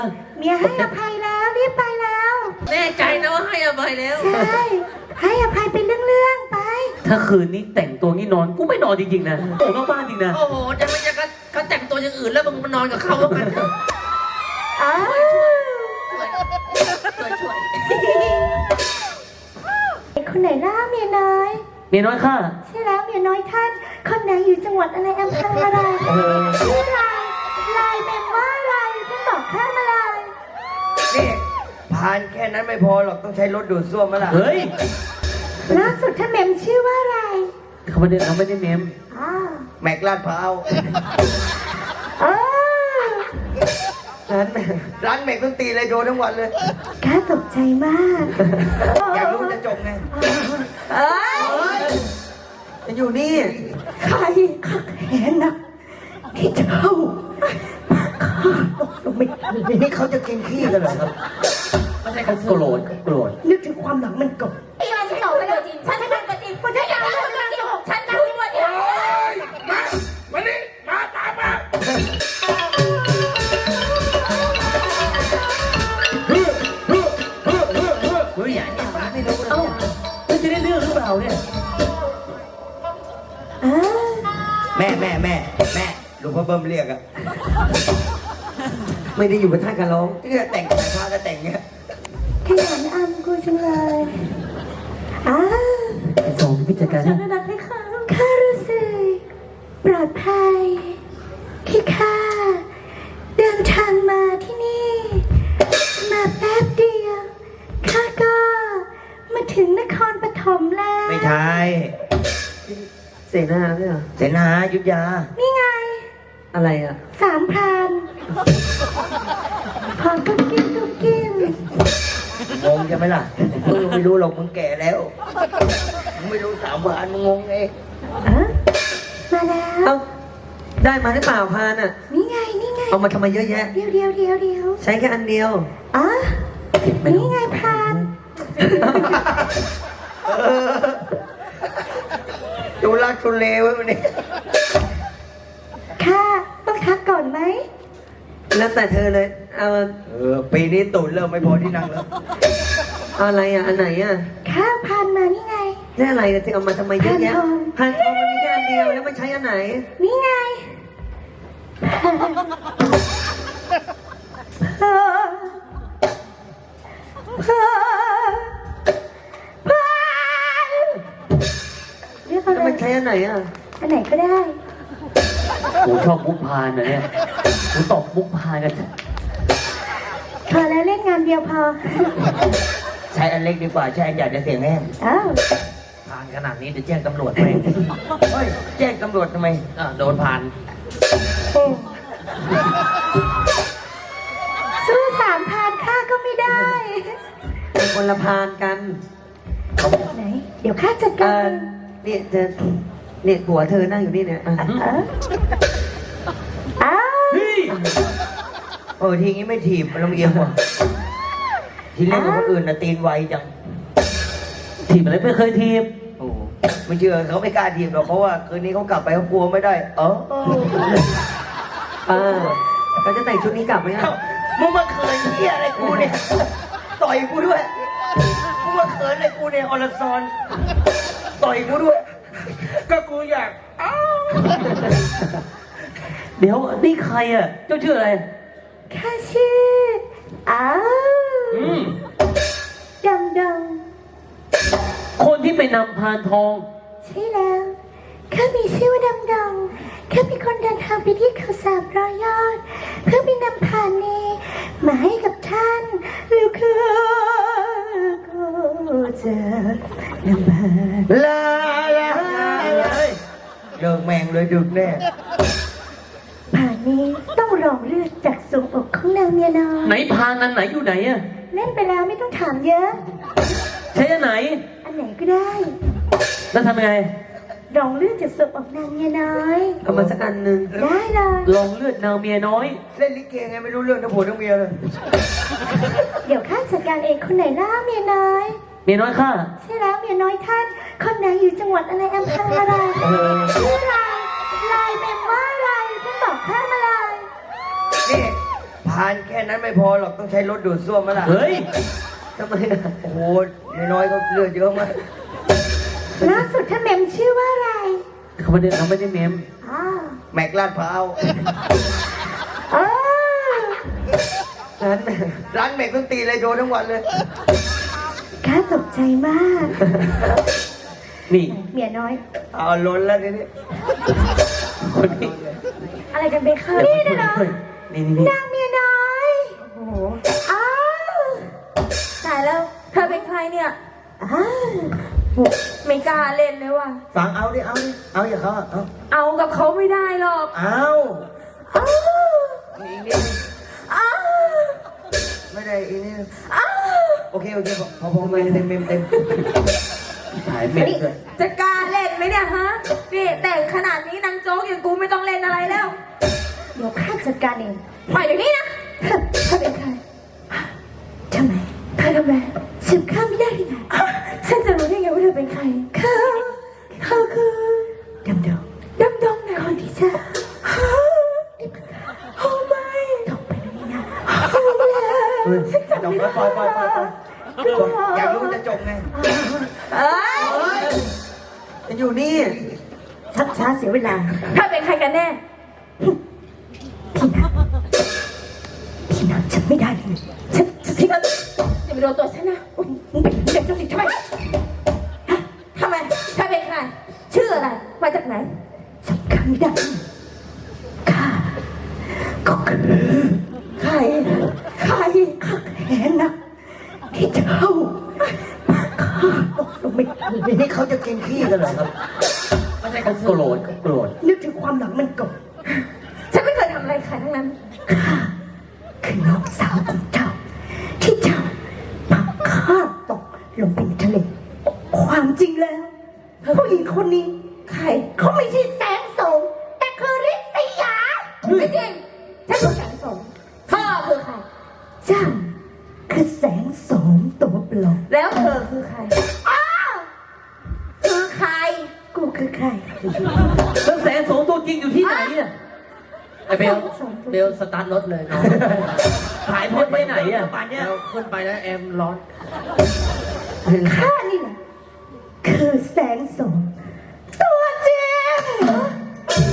เมียให้อภัยแล้วรีบไปแล้วแน่ใจนะว่าให้อภัยแล้วใช่ให้อภัยเป็นเรื่องๆไปถ้าคืนนี้แต่งตัวงี้นอนกูไม่นอนจริงๆนะโอ้นอกบ้านจริงนะโอ้โหจะไม่จะก็แต่งตัวอย่างอื่นแล้วมึงมานอนกับเขาแล้วกันอ้าวช่วยคนไหนล่ะเมียน้อยเมียน้อยข้าใช่แล้วเมียน้อยท่าน คนไหนอยู่จังหวัดอะไรอำเภออะไรชื่ออะไรลายแมงว่าอะไรท่านบอกข้ามาเลยนี่ผ่านแค่นั้นไม่พอหรอกต้องใช้รถดูดซ่วมมาล่ะเฮ้ยล่าสุดท่านเมมชื่อว่าอะไรเขาไม่ได้เมมอ้าวแม็กลาดพร้าวเออร้านแม็กต้องตีเลยโดนทั้งวันเลยข้าตกใจมากอยากรู้จะจบไงเอ้ยจะอยู่นี่ใครขักแหนนะที่เจ้าข้าตกลงไม่ทันเลยนี่เขาจะกินขี้กันเหรอครับไม่ใช่เขาโกรธโกรธนึกถึงความหลังมันก่อนพี่มันที่บอกไปเลยจริงฉันเป็นตัวจริงฉันอยากเป็นตัวจริงของฉันนะพี่วันเดียววันนี้มาตามมาเฮ้ยไม่รู้เอ้ามันจะได้เรื่องหรือเปล่าเนี่ยอ้าแม่หลวงพ่อเบิ้มเรียกอะไม่ได้อยู่กับท่านกันร้องเนี่ยแต่งแต่พาก็แต่งเงี้ยขยันอำกูจังเลยอ้าไอ้สองพิจารณาฉันนัดให้เขาข้ารู้สึกปลอดภัยที่ข้าเดินทางมาที่นี่ มาแป๊บเดียวข้าก็มาถึงนครปฐมแล้วไม่ใช่เสนาเนี่ยเหรอเสนายุทธยานี่ไงอะไรอ่ะสามพรานพอกุ๊กกิ๊บกุ๊กกิ๊บงงใช่ไหมล่ะมึงไม่รู้หรอกมึงแก่แล้วมึงไม่รู้สามวันมึงงงเองอะมาแล้วเอ้าได้มาหรือเปล่าพานอ่ะนี่ไงนี่ไงเอามาทำไมเยอะแยะเดี๋ยวใช้แค่อันเดียวอ๋อนี่ไงพรานดูรักทุเลไว้วันนี้ค่ะต้องทักก่อนไหมแล้วแต่เธอเลยเอาปีนี้ตูดเริ่มไม่พอที่นั่งแล้วอะไรอ่ะอันไหนอ่ะข้าพานมานี่ไงนี่อะไรอ่ะเธอเอามาทำไมเยอะแยะพานทองพานทองมันมีแค่อันเดียวแล้วมันใช้อันไหนนี่ไงเรียกอะไรแล้วมันใช้อันไหนอ่ะอันไหนก็ได้กูชอบมุกพานนะเนี่ยกูตบมุกพานกันพอแล้วเล่นงานเดียวพอใช้อันเล็กดีกว่าใช้อันใหญ่จะเสียงแห้งอ้าวผ่านขนาดนี้เดี๋ยวแจ้งตำรวจไปเฮ้ยแจ้งตำรวจทำไมโดนผ่านสู้สามพานข้าก็ไม่ได้เป็นคนละพานกันไหน เดี๋ยวข้าจัดเอการอเนี่ยเธอเนี่ยผัวเธอนั่งอยู่นี่เนี่ยอ่ะอ้าวทีนี้ไม่ถีบมันลำเอียงว่ะทีเล่นกับคนอื่นนะตีนไวจังทีมอะไรไม่เคยทีมโอ้ไม่เชื่อเขาไม่กล้าถีบหรอกเพราะว่าคืนนี้เขากลับไปเขากลัวไม่ได้ก็จะแต่งชุดนี้กลับไหมอ่ะมึงมาเขินเหี้ยอะไรกูเนี่ยต่อยกูด้วยมึงมาเขินอะไรกูเนี่ยอรซอนต่อยกูด้วยก็กูอยากเดี๋ยวนี่ใครอ่ะเจ้าชื่ออะไรข้าชื่อ อ้าว ดำคนที่ไปนำพานทองใช่แล้ว ข้ามีชื่อว่าดำข้าเป็นคนเดินทางไปที่เขา300 ยอด เพื่อไปนำผ่านนี้มาให้กับท่านแล้วคือก็จะนำผ่านลาเลิกแม่งเลยดึกแน่ผ่านนี้ต้องรองเลือดจากทรวงอกของนางเมียน้อยไหนพานนั้นไหนอยู่ไหนอ่ะเล่นไปแล้วไม่ต้องถามเยอะใช้อันไหนอันไหนก็ได้แล้วทำยังไงรองเลือดจากทรวงอกนางเมียน้อยเอามาสักอันหนึ่งได้เลยลองเลือดนางเมียน้อยเล่นลิเกไงไม่รู้เรื่องทั้งผัวทั้งเมียเลยเดี๋ยวข้าจัดการเองคนไหนล่าเมียน้อยเมียน้อยข้าใช่แล้วเมียน้อยท่าน คนไหนอยู่จังหวัดอะไรอำเภออะไรชื่ออะไรลายแมงว่าอะไรท่านบอกข้ามาเลยนี่พพานแค่นั้นไม่พอหรอกต้องใช้รถดูดซ่วมมาล่ะเฮ้ยทำไมนะโอ้โหน้อยๆก็เลือดเยอะมากล่าสุดท่านเมมชื่อว่าอะไรเขาไม่ได้เมมอ๋อแม็กลาดพร้าวเออร้านแม็กต้องตีเลยโดนทั้งวันเลยข้าตกใจมากนี่เมียน้อยเอาล้นแล้วทีนี้คนนี้อะไรกันเบคค่ะนี่นะเนาะนี่นางเมียน้อยโอ้โหอ้าวตายแล้ว เธอเป็นใครเนี่ยอ้าวไม่กล้าเล่นเลยว่ะฟังเอาดิเอาอย่าเขาเอาเอากับเขาไม่ได้หรอกเอาอ้าวอีกนิดนึงอ้าวไม่ได้อีกนิดนึงอ้าวโอเคพอเต็มถ่ายเมมด้วยจะกล้าเล่นไหมเนี่ยฮะ นี่แต่งขนาดนี้นางโจ๊กอย่างกูไม่ต้องเล่นอะไรแล้วเดี๋ยวข้าจัดการเองปล่อยเดี๋ยวนี้นะเธอเป็นใครทำไมเธอทำไมฉันข้ามไม่ได้ยังไงฉันจะรู้ได้ไงว่าเธอเป็นใครเขาคือดำดงดำดงไหนคนที่จะโอ้ไม่ตกไปแล้วนี่นะๆจบแล้วปล่อยอยากรู้จะจบไงเอ้ยจะอยู่นี่ชักช้าเสียเวลาเธอเป็นใครกันแน่พี่นางฉันไม่ได้เลยฉันทิ้งแล้วอย่าไปโดนตัวฉันนะมึงเป็นเด็กเจ้าสิทธิ์ใช่ไหมทำไมเธอเป็นใคร ชื่ออะไร มาจากไหนสำคัญไม่ได้ข้าก็คือใคร ใครข้าแค้นนะที่เจ้าข้าตกลงไม่ทันเลยนี่เขาจะกินขี้กันเหรอครับไม่ใช่เขาโกรธนึกถึงความหลังมันก่อนฉันไม่เคยทำอะไรใครทั้งนั้นข้าคือน้องสาวของเจ้า ที่เจ้าพาข้าตกลงไปในทะเลความจริงแล้วผู้หญิงคนนี้ใครเขาไม่ใช่แสงโสมแต่คือฤทธิ์ยาไม่จริง ฉันคือแสงสมพ่อคือใครเจ้าคือแสงโสมตัวปลอมแล้วเธอคือใคร คือใครกูคือใครแล้วแสงโสมตัวจริงอยู่ที่ไหนอ่ะไอเบลสตาร์ทรถเลยน้องหายพดไปไหนอ่ะป่านเนี้ยขึ้นไปแล้วแอมร้อนข้านี่แหละคือแสงโสมตัวจริง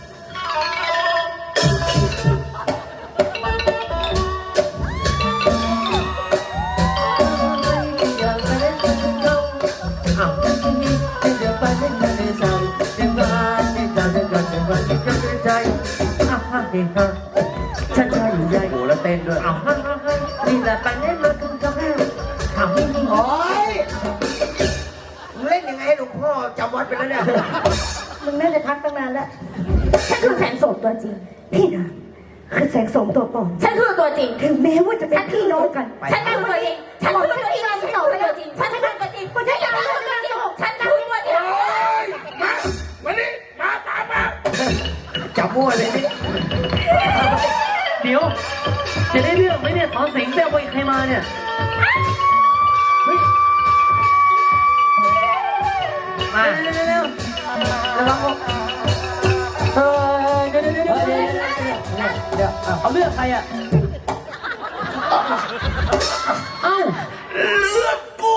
ฉันชอบอยู่ใหญ่โหแล้วเต้นด้วยเอานี่แหละไปเล่นมาถึงกับแม่ถามนี่โอ๊ยมึงเล่นยังไงให้หลวงพ่อจำวัดไปแล้วเนี่ยมึงน่าจะพักตั้งนานแล้วฉันคือแสงสมตัวจริงพี่นะคือแสงโสมตัวปลอมฉันคือตัวจริงถึงแม้ว่าจะเป็นพี่น้องกันฉันคือตัวจริง ฉันคือตัวจริง ฉันคือตัวจริง ฉันคือตัวจริง ฉันคือตัวจริง ฉันคือตัวจริงมานี่มาตามมาจับมั่วเลยนี่เดี๋ยว จะได้เรื่องไหมเนี่ยสอนสิงห์ไปเอาไปใครมาเนี่ย เฮ้ยมาเร็วระวังเดี๋ยวเอาเลือกใครอ่ะ เอ้าเลือดกู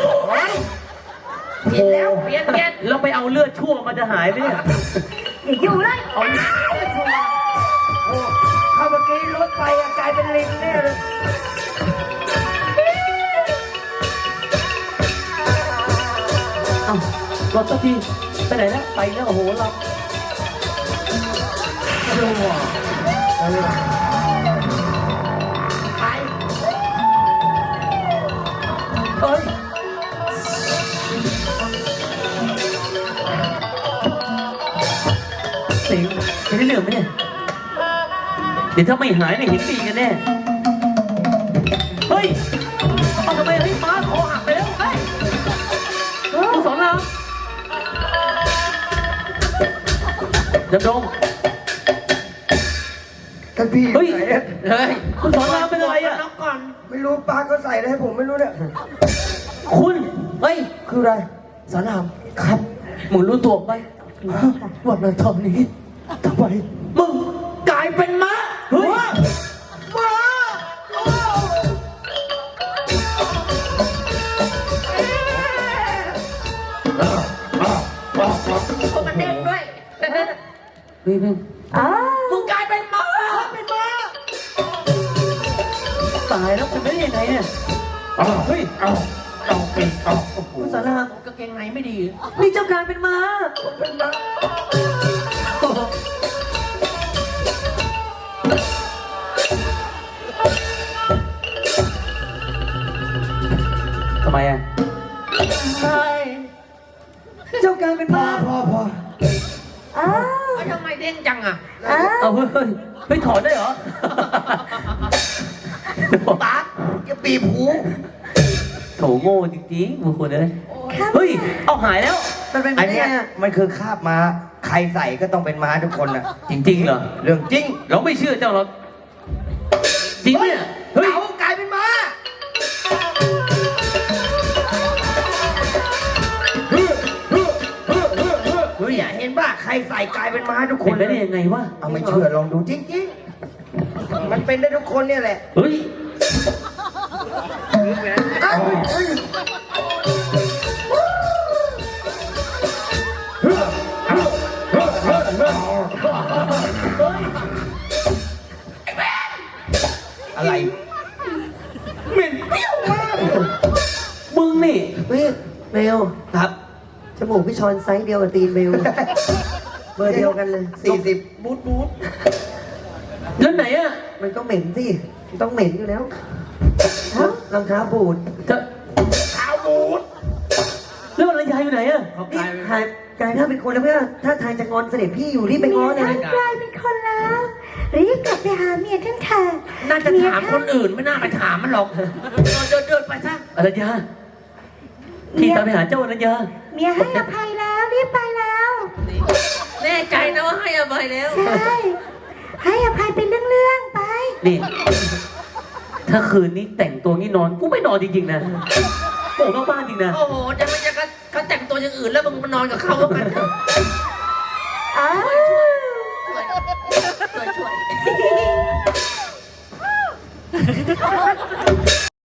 เปลี่ยนแล้วเปลี่ยนเราไปเอาเลือดชั่วมันจะหายไหมเนี่ยอย่าอยู่เลยเอาโอ้เข้าเมื่อกี้รถไปอะกลายเป็นลิงแน่เลยเอ้ารถสักทีไปไหนแล้วไปแล้วโอ้โหเราไปเอ้ย สิงจะได้เรื่องไหมเนี่ย เดี๋ยวถ้าไม่หายเนี่ยเห็นดีกันแน่ เฮ้ยเอาทำไมเฮ้ยม้าคอหักไปแล้วเฮ้ยคุณสอนรามดำดงท่านพี่เฮ้ยไหนอะเฮ้ยคุณสอนรามเป็นอะไรอ่ะน้องก่อนไม่รู้ปลาเขาใส่อะไรให้ผมไม่รู้เนี่ยคุณเฮ้ยคืออะไรสอนรามครับ มึงรู้ตัวไหมวันนั้นตอนนี้ทำไมมึงกลายเป็นม้าเฮ้ยม้าเฮ้ยแม่งอ๋อมึงกลายเป็นม้าเป็นม้าตายแล้วเป็นไปได้ยังไงเนี่ยเอาเฮ้ยเอาปีเอาโอ้โหคุณสารามกางเกงในไม่ดีนี่เจ้าการเป็นม้าเป็นม้าทำไมอ่ะใช่เจ้าการเป็นพอม้าพออ๋อแล้วทำไมเด้งจังอ่ะอ๋อเอาเฮ้ยเฮ้ยถอนได้เหรอตาจะปีบหูโถโง่จริงๆบุคคลเลยครับเฮ้ย เอาหายแล้วมันเป็นอันไงเนี้ยอะมันคือคาบม้าใครใส่ก็ต้องเป็นม้าทุกคนนะจริงๆเหรอเรื่องจริงเราไม่เชื่อเจ้าหรอกจริงไหมเนี่ยเฮ้ยเต๋ากลายเป็นม้าเฮ้ยเนี่ยเห็นป่ะใครใส่กลายเป็นม้าทุกคเป็นนไปได้ยังไงวะเอาไม่เชื่อลองดูจริงๆมันเป็นได้ทุกคนเนี่ยแหละเฮ้ยเอ้า อะไรเหม็นเปรี้ยวมากมึงนี่เฮ้ยเบลครับจมูกพี่ชอนไซส์เดียวกับตีนเบลเบอร์เดียวกันเลย 40บูทแล้วไหนอ่ะมันก็เหม็นสิมันต้องเหม็นอยู่แล้วรองเท้าบูดจะขาวบูดแล้วมันระยายอยู่ไหนอ่ะเขากนี่ลายเป็นถ่ายกลายถ้าเป็นคนแล้วเพื่อนถ้าทายจะงอนเสด็จพี่อยู่รีบไปเมีง้อย เลยท่านกลายเป็นคนแล้วรีบกลับไปหาเมียท่านค่ะน่าจะถามคนอื่นไม่น่าไปถามมันหรอกเดินไปซะอรัญญาที่ตามไปหาเจ้าอรัญญาเมียให้อภัยแล้วรีบไปแล้วแน่ใจนะว่าให้อภัยแล้วใช่ให้อภัยเป็นเรื่องๆไปนี่ ถ้าคืนนี้แต่งตัวงี้นอน กูไม่นอนจริงๆนะโง่มากๆจริงนะโอ้โหจะมันจะเขาแต่งตัวอย่างอื่นแล้วมึงมานอนกับเขาแล้วกัน